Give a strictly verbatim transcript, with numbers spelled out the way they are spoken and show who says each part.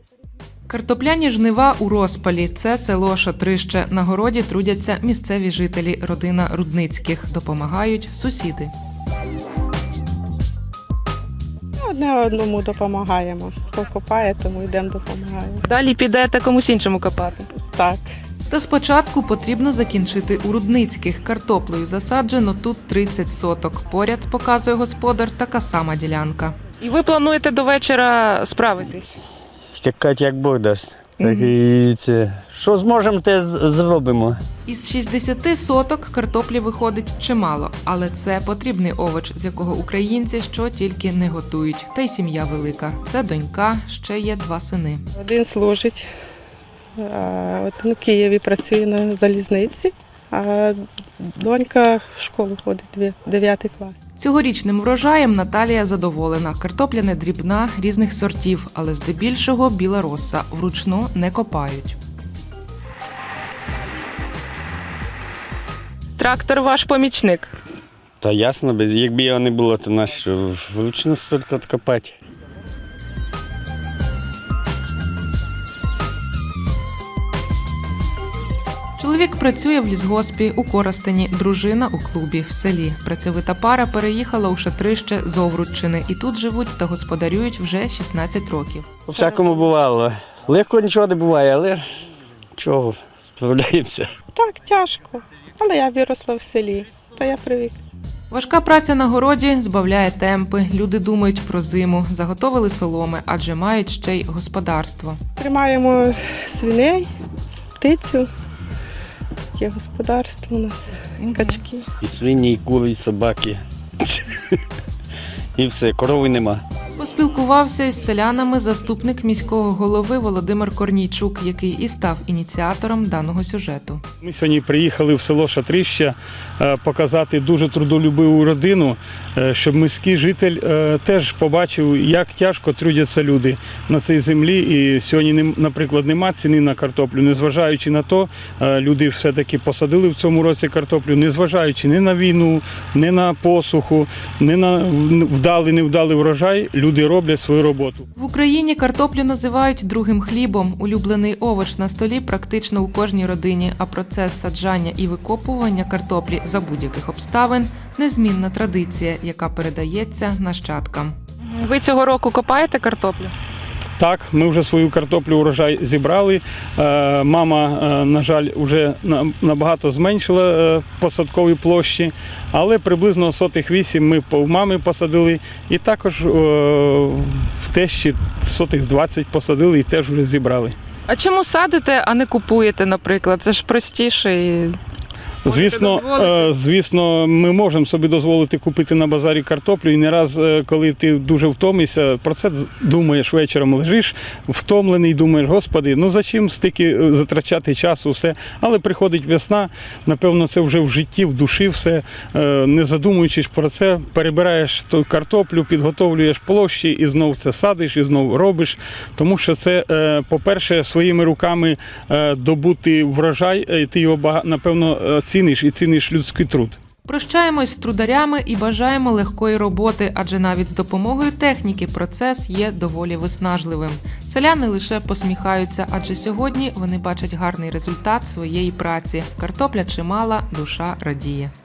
Speaker 1: Картопляні жнива у розпалі. Це село Шатрище. На городі трудяться місцеві жителі, родина Рудницьких. Допомагають сусіди.
Speaker 2: Одне одному допомагаємо. Хто копає, тому йдемо допомагаємо.
Speaker 1: Далі підете комусь іншому копати.
Speaker 2: Так.
Speaker 1: Та спочатку потрібно закінчити у Рудницьких. Картоплею засаджено тут тридцять соток. Поряд, показує господар, така сама ділянка. І ви плануєте до вечора справитись?
Speaker 3: Як, як Бог дасть. Так і це. Що зможемо, те з- зробимо.
Speaker 1: Із шістдесяти соток картоплі виходить чимало, але це потрібний овоч, з якого українці що тільки не готують. Та й сім'я велика. Це донька, ще є два сини.
Speaker 2: Один служить, а один у Києві працює на залізниці, а донька в школу ходить, дев'ятий клас.
Speaker 1: Цьогорічним врожаєм Наталія задоволена. Картопля не дрібна, різних сортів, але здебільшого біла роса. Вручну не копають. Трактор ваш помічник.
Speaker 3: Та ясно, без якби його не було, то нас що вручну стільки откопати.
Speaker 1: Чоловік працює в лісгоспі у Коростені, дружина у клубі в селі. Працьовита пара переїхала у Шатрище з Овруччини і тут живуть та господарюють вже шістнадцять років.
Speaker 3: По всякому бувало. Легко нічого не буває, але чого, справляємося.
Speaker 2: Так, тяжко, але я виросла в селі, та я привик.
Speaker 1: Важка праця на городі збавляє темпи. Люди думають про зиму, заготовили соломи, адже мають ще й господарство.
Speaker 2: Тримаємо свиней, птицю, є господарство у нас, качки.
Speaker 3: І свині, і кури, і собаки. І все, корови нема.
Speaker 1: Поспілкувався із селянами заступник міського голови Володимир Корнійчук, який і став ініціатором даного сюжету.
Speaker 4: Ми сьогодні приїхали в село Шатрище е, показати дуже трудолюбиву родину, е, щоб міський житель е, теж побачив, як тяжко трудяться люди на цій землі. І сьогодні, нем- наприклад, нема ціни на картоплю. Незважаючи на то, е, люди все-таки посадили в цьому році картоплю, незважаючи ні на війну, ні на посуху, ні на вдалий, невдалий врожай, люди роблять свою роботу.
Speaker 1: В Україні картоплю називають другим хлібом. Улюблений овоч на столі практично у кожній родині, а процес саджання і викопування картоплі за будь-яких обставин – незмінна традиція, яка передається нащадкам. Ви цього року копаєте картоплю?
Speaker 4: Так, ми вже свою картоплю урожай зібрали. Е, Мама, е, на жаль, вже на- набагато зменшила е, посадкові площі, але приблизно сотих вісім ми по- в мами посадили і також е, в тещі сотих двадцять посадили і теж вже зібрали.
Speaker 1: А чому садите, а не купуєте, наприклад? Це ж простіше і...
Speaker 4: Звісно, е, звісно, ми можемо собі дозволити купити на базарі картоплю, і не раз, е, коли ти дуже втомишся, про це думаєш вечором, лежиш, втомлений, думаєш, господи, ну за чим стільки затрачати часу, все. Але приходить весна, напевно, це вже в житті, в душі все, е, не задумуючись про це, перебираєш ту картоплю, підготовлюєш площі і знов це садиш, і знов робиш, тому що це, е, по-перше, своїми руками е, добути врожай, е, ти його, бага- напевно, е, ціниш і ціниш людський труд.
Speaker 1: Прощаємось з трударями і бажаємо легкої роботи, адже навіть з допомогою техніки процес є доволі виснажливим. Селяни лише посміхаються, адже сьогодні вони бачать гарний результат своєї праці. Картопля чимала, душа радіє.